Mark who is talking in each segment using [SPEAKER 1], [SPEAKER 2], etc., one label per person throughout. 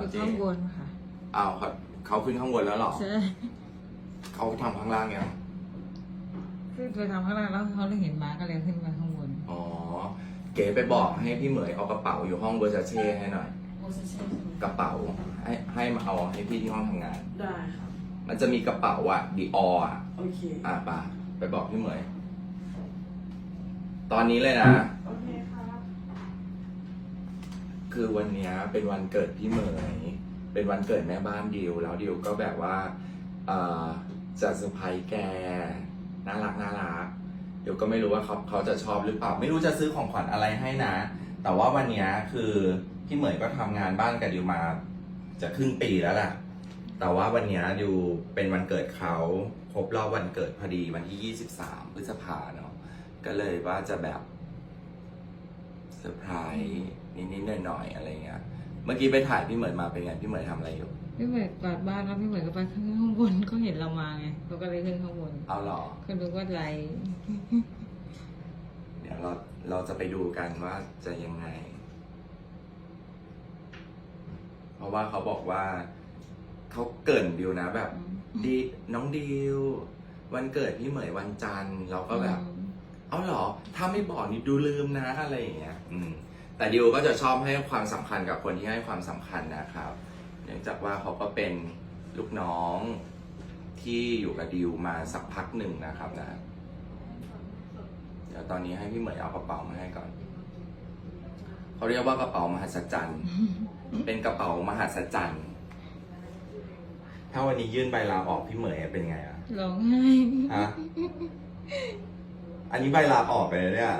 [SPEAKER 1] เจ๊
[SPEAKER 2] ข้างบนค่ะ
[SPEAKER 1] อ้าวเขาขึ้นข้างบนแล้วเหรอ
[SPEAKER 2] ใช่
[SPEAKER 1] เขาทำข้างล่างยัง
[SPEAKER 2] ขึ้นไปทำข้างล่างแล้วเขาเลยเห็นม้าก็เลยขึ้นมาข้างบน
[SPEAKER 1] อ๋อเก๋ไปบอกให้พี่เหมยเอากระเป๋าอยู่ห้องเวอร์ซาเช่ให้หน่อย
[SPEAKER 3] โอเซเช่ใช่ไหม
[SPEAKER 1] กระเป๋าให้มาเอาให้พี่ที่ห้องทำงาน
[SPEAKER 3] ได้ครับ
[SPEAKER 1] มันจะมีกระเป๋าอะดีออ่ะ
[SPEAKER 3] โอเค
[SPEAKER 1] ป่ะไปบอกพี่เหมย ตอนนี้เลยนะ
[SPEAKER 3] โอเคครับ
[SPEAKER 1] คือวันเนี้ยเป็นวันเกิดพี่เหมย เป็นวันเกิดแม่บ้านดิวแล้วดิวก็แบบว่าจะเซอร์ไพรส์แกน่ารักเดี๋ยวก็ไม่รู้ว่าเขาจะชอบหรือเปล่า ไม่รู้จะซื้อของขวัญอะไรให้นะ แต่ว่าวันเนี้ยคือพี่เหมยก็ทำงานบ้านกับดิวมาจะครึ่งปีแล้วแหละแต่ว่าวันเนี้ยดิวเป็นวันเกิดเขาครบรอบวันเกิดพอดีวันที่23 พฤษภาเนาะก็เลยว่าจะแบบเซอร์ไพรส์นิดๆหน่อยๆอะไรเงี้ย เมื่อกี้ไปถ่ายพี่เหมยมาเป็นไงพี่เหมยทำอะไรอยู่
[SPEAKER 2] พี่เหมยกวาดบ้านแล้วพี่เหมยก็ไปขึ้นข้างบนเขาเห็นเรามาไงเขาก็เลยขึ้นข้างบน
[SPEAKER 1] เอาหรอ
[SPEAKER 2] เขาดูว่าไร
[SPEAKER 1] เดี๋ยวเราจะไปดูกันว่าจะยังไง เพราะว่าเขาบอกว่าเขาเกริ่นดิวนะแบบดีน้องดิววันเกิดพี่เหมยวันจันทร์เราก็แบบ เอาหรอถ้าไม่บอกนี่ดูลืมนะอะไรอย่างเงี้ยแต่ดิวก็จะชอบให้ความสำคัญกับคนที่ให้ความสำคัญนะครับเนื่องจากว่าเขาก็เป็นลูกน้องที่อยู่กับดิวมาสักพักหนึ่งนะครับนะเดี๋ยวตอนนี้ให้พี่เหมยเอากระเป๋ามาให้ก่อนเขาเรียกว่ากระเป๋ามหัศจรรย์ เป็นกระเป๋ามหัศจรรย์ถ้าวันนี้ยื่นใบลาออกพี่เหมยเป็นไงอะ
[SPEAKER 2] ร้องไห้
[SPEAKER 1] ฮะ อันนี้ใบลาออกไปเลยเนี่ย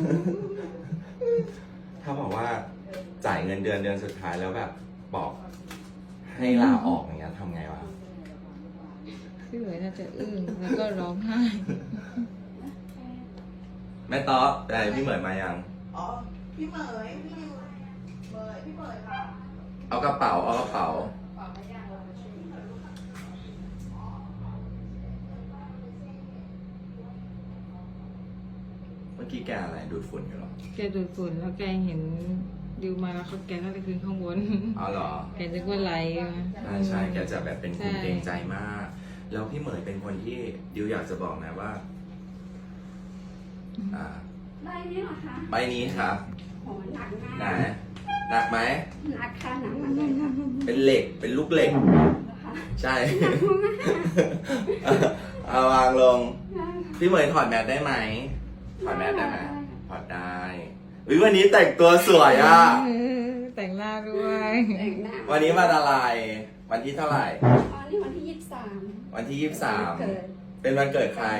[SPEAKER 1] ถ้าบอกว่าจ่ายเงินเดือนสุดท้ายแล้วแบบบอกให้ลาออกอย่างเงี้ยทำไงวะ
[SPEAKER 2] พี่เหมยน่าจะอึ้งแล้วก็ร้องไห้
[SPEAKER 1] แม่ต๊อแต่พี่เหมยมายัง
[SPEAKER 3] อ๋อ พี่เหมยพี่เหมยค่ะ
[SPEAKER 1] เอากระเป๋า เมื่อกี้แกอะไรดูดฝุ่นอยู่หรอ
[SPEAKER 2] แกดูดฝุ่นแล้วแกเห็นดิวมาแล้วเขาแกก็เลยขึ้นข้างบน
[SPEAKER 1] อ๋อเหรอ
[SPEAKER 2] แกนึกว่าไร
[SPEAKER 1] ใช่แกจะแบบเป็นคน
[SPEAKER 2] ใช่
[SPEAKER 1] เกรงใจมาก แล้วพี่เหมยเป็นคนที่ดิวอยากจะบอกนะว่า
[SPEAKER 4] ใบนี้เหรอคะ
[SPEAKER 1] ใบนี้ครับ
[SPEAKER 4] โหหนักมาก
[SPEAKER 1] หนักไหม
[SPEAKER 4] หนักค่ะหนักมากเลยค่ะ
[SPEAKER 1] เป็นเหล็ก เป็นลูกเหล็ก
[SPEAKER 4] นะคะ
[SPEAKER 1] ใช่ เอาวางลง พี่เหมยถอดแมสได้ไหม ถอดแมสได้ไหมถอดได้วิวันนี้แต่งตัวสวยอ่ะ
[SPEAKER 2] แต่งหน้าด้วย
[SPEAKER 4] แต่งหน้า
[SPEAKER 1] วันนี้วันอะไร วันที่เท่าไหร่
[SPEAKER 4] อ๋อนี่วันที่23
[SPEAKER 1] วันที่
[SPEAKER 4] เกิด
[SPEAKER 1] 23 เป็นวันเกิดใคร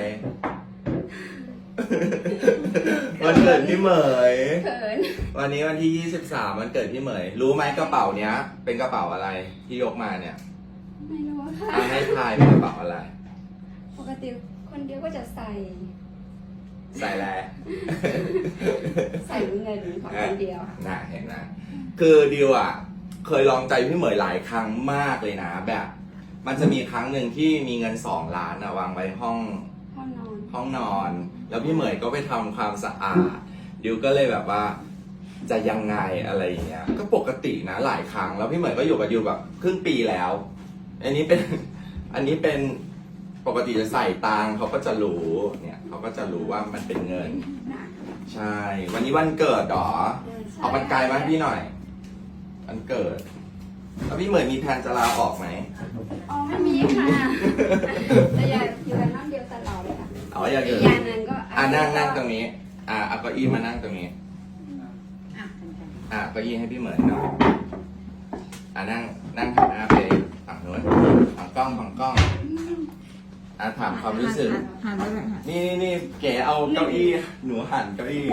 [SPEAKER 1] วันเกิดพี่เหมย
[SPEAKER 4] เขิน
[SPEAKER 1] วันนี้วันที่ 23 วันเกิดพี่เหมย รู้ไหมกระเป๋าเนี้ย เป็นกระเป๋าอะไรที่ยกมาเนี่ย
[SPEAKER 4] ไม่รู้ค่ะ
[SPEAKER 1] ให้ทายเป็นกระเป๋าอะไร
[SPEAKER 4] ปกติคนเดียวก็จะใส่
[SPEAKER 1] ใส่แล้ว
[SPEAKER 4] ใส่เงินของคนเดียวค่ะ
[SPEAKER 1] น่าเห็นนะ คือดิวอ่ะ เคยลองใจพี่เหมยหลายครั้งมากเลยนะแบบ มันจะมีครั้งหนึ่งที่มีเงิน2 ล้านวางไว้ห้อง
[SPEAKER 4] ห้องนอน
[SPEAKER 1] ห้องนอน แล้วพี่เหมยก็ไปทำความสะอาด ดิวก็เลยแบบว่า จะยังไงอะไรอย่างเงี้ย ก็ปกตินะหลายครั้ง แล้วพี่เหมยก็อยู่กับดิวแบบครึ่งปีแล้ว อันนี้เป็นปกติจะใส่ตังค์เขาก็จะรู้ เนี่ยเขาก็จะรู้ว่ามันเป็นเงิน
[SPEAKER 4] หนัก
[SPEAKER 1] ใช่ วันนี้วันเกิดเหรอ
[SPEAKER 4] ใช่
[SPEAKER 1] เอากันไกลมาให้พี่หน่อย วันเกิด แล้วพี่เหมยมีแผนจะลาออกไหม
[SPEAKER 4] อ๋อไม่มีค่ะแต่อยากอยู่กันน้ำเดียวตลอดเลยค่ะ
[SPEAKER 1] เอาอยาก
[SPEAKER 4] อี
[SPEAKER 1] เกิ
[SPEAKER 4] ก
[SPEAKER 1] ด
[SPEAKER 4] อย่างหนึงก็
[SPEAKER 1] นั่งตรงนี้ เอาเก้าอี้มานั่งตรงนี้ เก้าอี้ให้พี่เหมยหน่อยนั่งหันหน้าไปฝั่งโน้นฝั่งกล้องถามความรู้สึก
[SPEAKER 2] หันไปเลยค่ะ
[SPEAKER 1] นี่เก๋เอาเก้าอี้หนูหันเก้าอี้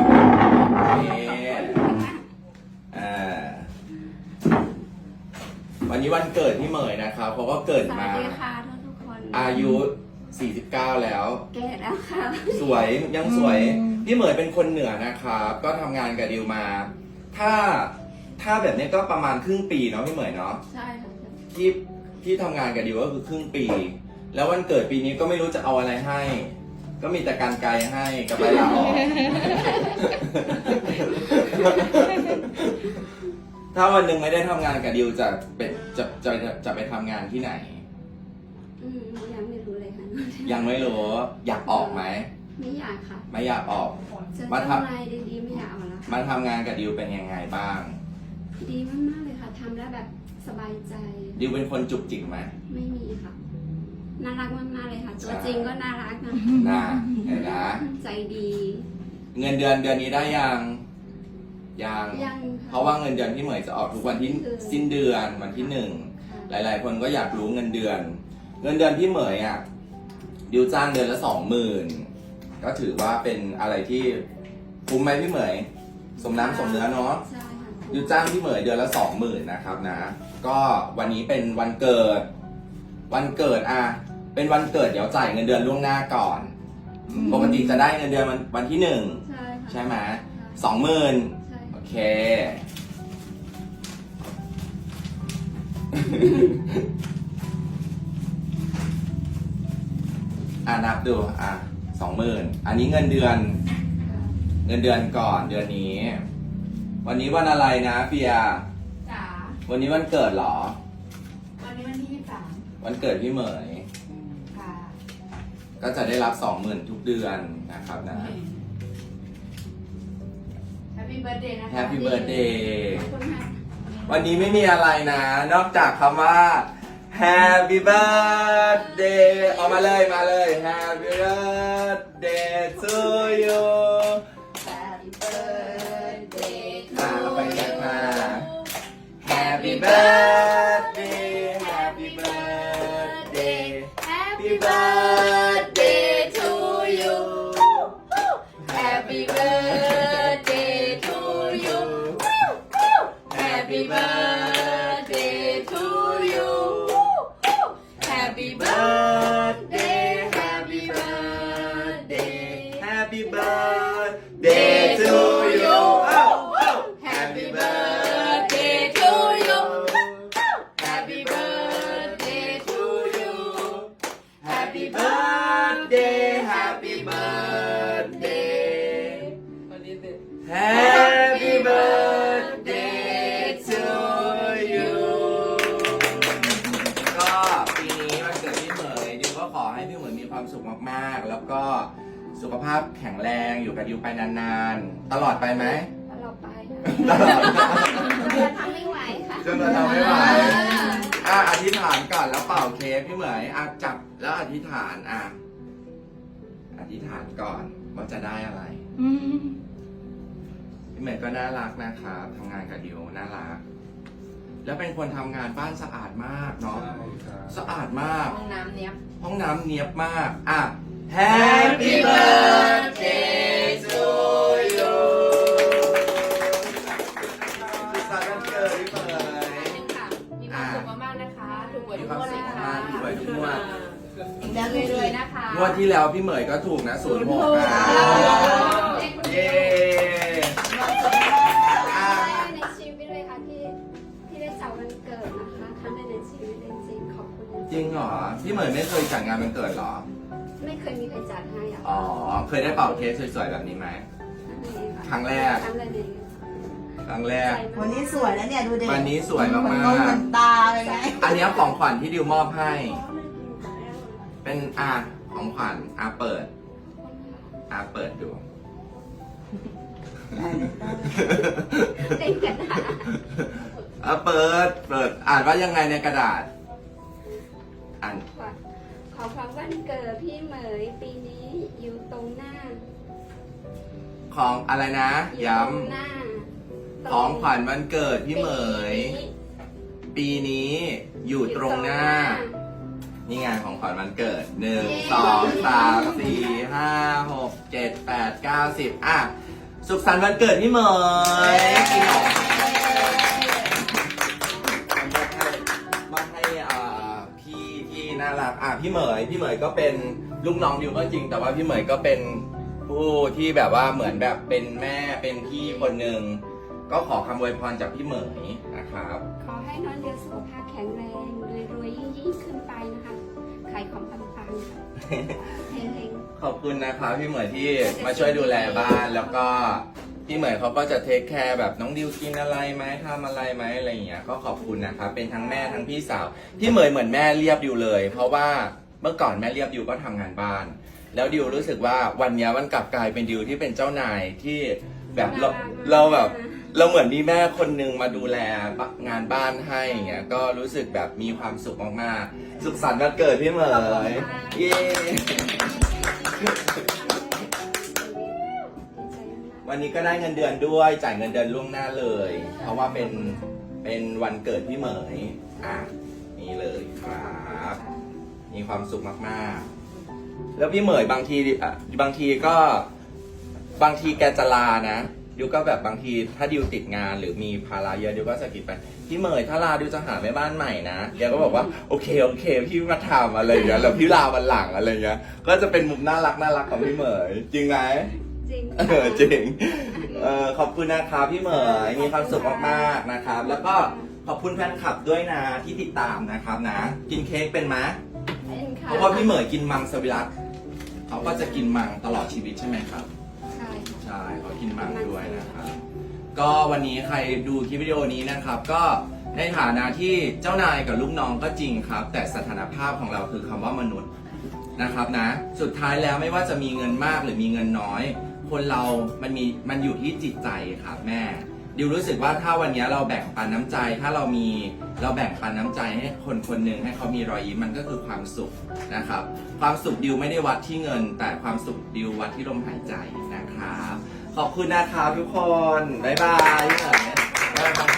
[SPEAKER 1] วันนี้วันเกิดพี่เหมยนะครับเขาก็เกิด
[SPEAKER 4] สวั
[SPEAKER 1] มา
[SPEAKER 4] สดีค่ะทุกคน
[SPEAKER 1] อายุ 49 แล้ว
[SPEAKER 4] แก่แล้วค่ะ
[SPEAKER 1] สวยยังสวยพี่เหมยเป็นคนเหนือนะครับ ก็ทำงานกับดิวมา ถ้าแบบนี้ก็ประมาณครึ่งปีเนาะพี่เหมยเนาะ
[SPEAKER 4] ใช่ค่ะ
[SPEAKER 1] ที่ทำงานกับดิวก็คือครึ่งปี แล้ววันเกิดปีนี้ก็ไม่รู้จะเอาอะไรให้ ก็มีแต่การไกลให้กับใบลาออก ถ้าวันหนึ่งไม่ได้ทำงานกับดิวจะเป็นจะไปทำงานที่ไหน
[SPEAKER 4] ยังไม่รู้เลยค่ะ
[SPEAKER 1] ยังไม่รู้อยากออกไหม
[SPEAKER 4] ไม่อยากค่ะ
[SPEAKER 1] ไม่อยากออก
[SPEAKER 4] เจอ
[SPEAKER 1] มา
[SPEAKER 4] เจ้า
[SPEAKER 1] ทำ
[SPEAKER 4] นายดีๆไม่อยากเอาแล้ว
[SPEAKER 1] มาทำงานกับดิวเป็นยังไงบ้าง
[SPEAKER 4] ดีมากๆเลยค่ะทำแล้วแบบสบายใจ
[SPEAKER 1] ดิวเป็นคนจุกจิกไหม
[SPEAKER 4] ไม่มีค่ะน่ารักมากๆเลยค่ะตัวจริงก็น่ารักนะ
[SPEAKER 1] นะเห็นนะ
[SPEAKER 4] ใจดี
[SPEAKER 1] เงินเดือนนี้ได้ยังยัง
[SPEAKER 4] ยัง
[SPEAKER 1] เพราะว่าเงินเดือนพี่เหมยจะออกทุกวันที่สิ้นเดือนวันที่ 1 หลายๆ คนก็อยากรู้เงินเดือน เงินเดือนพี่เหมยอ่ะดิวจ้างเดือนละ 20,000 ก็ถือว่าเป็นอะไรที่คุ้มไหมพี่เหมย สมน้ำสมเนื้อเนาะ
[SPEAKER 4] ใช่ค่ะ
[SPEAKER 1] ดิวจ้างพี่เหมยเดือนละ 20,000 นะครับนะ ก็วันนี้เป็นวันเกิด วันเกิดอ่ะเป็นวันเกิดเดี๋ยวจ่ายเงินเดือนล่วงหน้าก่อน ปกติจะได้เงินเดือนวันที่ 1
[SPEAKER 4] ใช่ค่ะ
[SPEAKER 1] ใช่ไหม 20,000
[SPEAKER 4] ใช่
[SPEAKER 1] โอเค นับดู20,000 อันนี้เงินเดือน เงินเดือนก่อนเดือนนี้ วันนี้วันอะไรนะเปีย
[SPEAKER 3] จ๋า
[SPEAKER 1] วันนี้วันเกิดเหรอ
[SPEAKER 3] วันนี้วันที่23
[SPEAKER 1] วันเกิดพี่เหมย
[SPEAKER 3] ค่ะ
[SPEAKER 1] ก็จะได้รับ 20,000 ทุกเดือนนะครับนะ
[SPEAKER 3] Happy Birthday นะคะ
[SPEAKER 1] Happy Birthday
[SPEAKER 4] ขอบคุณค่ะ
[SPEAKER 1] วันนี้ไม่มีอะไรนะ นอกจากคำว่า Happy Birthday เอามาเลย Happy Birthday to you
[SPEAKER 3] Happy Birthday
[SPEAKER 1] เราไปกันมา Happy Birthday Happy Birthday
[SPEAKER 3] Happy Birthday to you Happy Birthday to you Happy Birthday to you Happy Birthday Happy Birthday
[SPEAKER 1] Happy Birthday to you
[SPEAKER 3] Happy Birthday to you Happy Birthday to you Happy Birthday Happy Birthday
[SPEAKER 1] Happy Birthday to you ก็ปีนี้วันเกิดพี่เหมยดิวก็ขอให้พี่เหมยมีความสุขมากๆ แล้วก็สุขภาพแข็งแรงอยู่กับดิวไปนานๆ ตลอดไปไหม
[SPEAKER 4] ตลอดไป
[SPEAKER 1] ตลอด
[SPEAKER 4] จะทำไม่ไหวค่ะ
[SPEAKER 1] จนเราทำไม่ไหวอธิษฐานก่อนแล้วเป่าเค้กพี่เหมยจับแล้วอธิษฐานอธิษฐานก่อนว่าจะได้อะไร พี่เหมยก็น่ารักนะครับทำงานกับดิวน่ารัก แล้วเป็นคนทำงานบ้านสะอาดมากเนาะสะอาดมาก
[SPEAKER 3] ห้องน้ำเนี้ย
[SPEAKER 1] ห้องน้ำเนียบมากHappy birthday to you สุขสันต์วันเกิดพี่เหมย
[SPEAKER 3] ค่ะมีความสุขมากๆนะคะ ถูกหวย
[SPEAKER 1] มี
[SPEAKER 3] ทุก
[SPEAKER 1] ความ
[SPEAKER 3] งวด
[SPEAKER 1] สุ
[SPEAKER 3] เล
[SPEAKER 1] ข
[SPEAKER 3] ยค่ะ
[SPEAKER 1] มากๆถูกหวยทุกงวด
[SPEAKER 3] แล้วรวยๆนะคะ
[SPEAKER 1] งวดที่แล้วพี่เหมยก็ถูกนะ06เย้
[SPEAKER 4] ในชีวิตเลยค่ะที่ได้จัดวันเกิดนะคะครั้งแรกในชีวิตจริงๆขอบคุณ
[SPEAKER 1] จริงเหรอพี่เหมยไม่เคยจัดงานวันเกิดเหรอ
[SPEAKER 4] ไม่เคยมีใครจัดให้อ่ะ
[SPEAKER 1] อ๋อเคยได้เป่าเค้กสวยๆแบบนี้ไหม ครั้งแรก
[SPEAKER 4] ครั้งแรกเลย
[SPEAKER 1] ครั้งแรก
[SPEAKER 3] วันนี้สวยแล้วเนี่ยดูเด็ก
[SPEAKER 1] วันนี้สวยมาก
[SPEAKER 3] เหมือนตาเลยไง
[SPEAKER 1] ๆอันนี้ของขวัญที่ดิวมอบให้ เป็นของขวัญเปิดเปิดดู
[SPEAKER 4] เต็มกระดาษ
[SPEAKER 1] เปิดอ่านว่ายังไงในกระดาษ อ่าน
[SPEAKER 4] ขอความวันเกิดพี่เหมยปีนี้อยู่ตรงหน้า
[SPEAKER 1] ของอะไรนะ
[SPEAKER 4] อยู่
[SPEAKER 1] ย้
[SPEAKER 4] ตรงหน้า
[SPEAKER 1] ำของขวัญวันเกิดพี่เหมย ปีนี้อยู่ตรงหน้า นี่ไงของขวัญวันเกิด 1 2 3 4 5 6 7 8 9 10สุขสันต์วันเกิดพี่เหมยกินหนมมาให้พี่ที่น่ารักพี่เหมยก็เป็นลูกน้องดิวก็จริง แต่ว่าพี่เหมยก็เป็นผู้ที่แบบว่าเหมือนแบบเป็นแม่เป็นพี่คนหนึ่งก็ขอคำอวยพรจากพี่เหมยนะครับ
[SPEAKER 4] ขอให้น้องเดียวสุขภาพแข็งแรงรวยๆยิ่งขึ้นไปนะคะขายของปังๆค่ะเฮง
[SPEAKER 1] ขอบคุณนะครับพี่เหมยที่มาช่วยดูแลบ้านแล้วก็พี่เหมยเขาก็จะเทคแคร์แบบน้องดิวกินอะไรไหมทำอะไรไหมอะไรอย่างเงี้ยก็ขอบคุณนะครับเป็นทั้งแม่ทั้งพี่สาวพี่เหมยเหมือนแม่เรียบดิวเลย เพราะว่าเมื่อก่อนแม่เรียบดิวก็ทำงานบ้าน แล้วดิวรู้สึกว่าวันเนี้ยมันกลับกลายเป็นดิวที่เป็นเจ้านายที่แบบเราแบบเราเหมือนมีแม่คนนึงมาดูแลงานบ้านให้อย่างเงี้ยก็รู้สึกแบบมีความสุขมากๆสุขสันต์วันเกิดพี่เหมยเย้ วันนี้ก็ได้เงินเดือนด้วยจ่ายเงินเดือนล่วงหน้าเลย เพราะว่าเป็นวันเกิดพี่เหมยนี่เลยครับมีความสุขมากๆแล้วพี่เหมยบางทีก็บางทีแกจะลานะดิวก็แบบบางทีถ้าดิวติดงานหรือมีภาระเยอะดิวก็สะกิดไปพี่เหมยถ้าลาดิวจะหาแม่บ้านใหม่นะแกก็บอกว่าโอเคพี่มาทำอะไรอย่างเงี้ยแล้วพี่ลาวันหลังอะไรอย่างเงี้ยก็จะเป็นมุมน่ารักของพี่เหมยจริงไหมจริงจริงขอบคุณนะครับพี่เหมยมีความสุขมากๆนะครับ แล้วก็ขอบคุณแฟนคลับด้วยนะที่ติดตามนะครับนะกินเค้กเป็นไหมเพราะว่าพี่เหมยกินมังสวิรัติเขาก็จะกินมังตลอดชีวิตใช่ไหมครับใช่เขากินมังด้วยนะครับก็วันนี้ใครดูคลิปวิดีโอนี้นะครับก็ในฐานะที่เจ้านายกับลูกน้องก็จริงครับแต่สถานภาพของเราคือคำว่ามนุษย์นะครับนะสุดท้ายแล้วไม่ว่าจะมีเงินมากหรือมีเงินน้อยคนเรามันอยู่ที่จิตใจครับแม่ดิวรู้สึกว่าถ้าวันนี้เราแบ่งปันน้ำใจถ้าเราแบ่งปันน้ำใจให้คนหนึ่งให้เขามีรอยยิ้มมันก็คือความสุขนะครับความสุขดิวไม่ได้วัดที่เงิน แต่ความสุขดิววัดที่ลมหายใจนะครับขอบคุณนะครับทุกคนบ๊ายบาย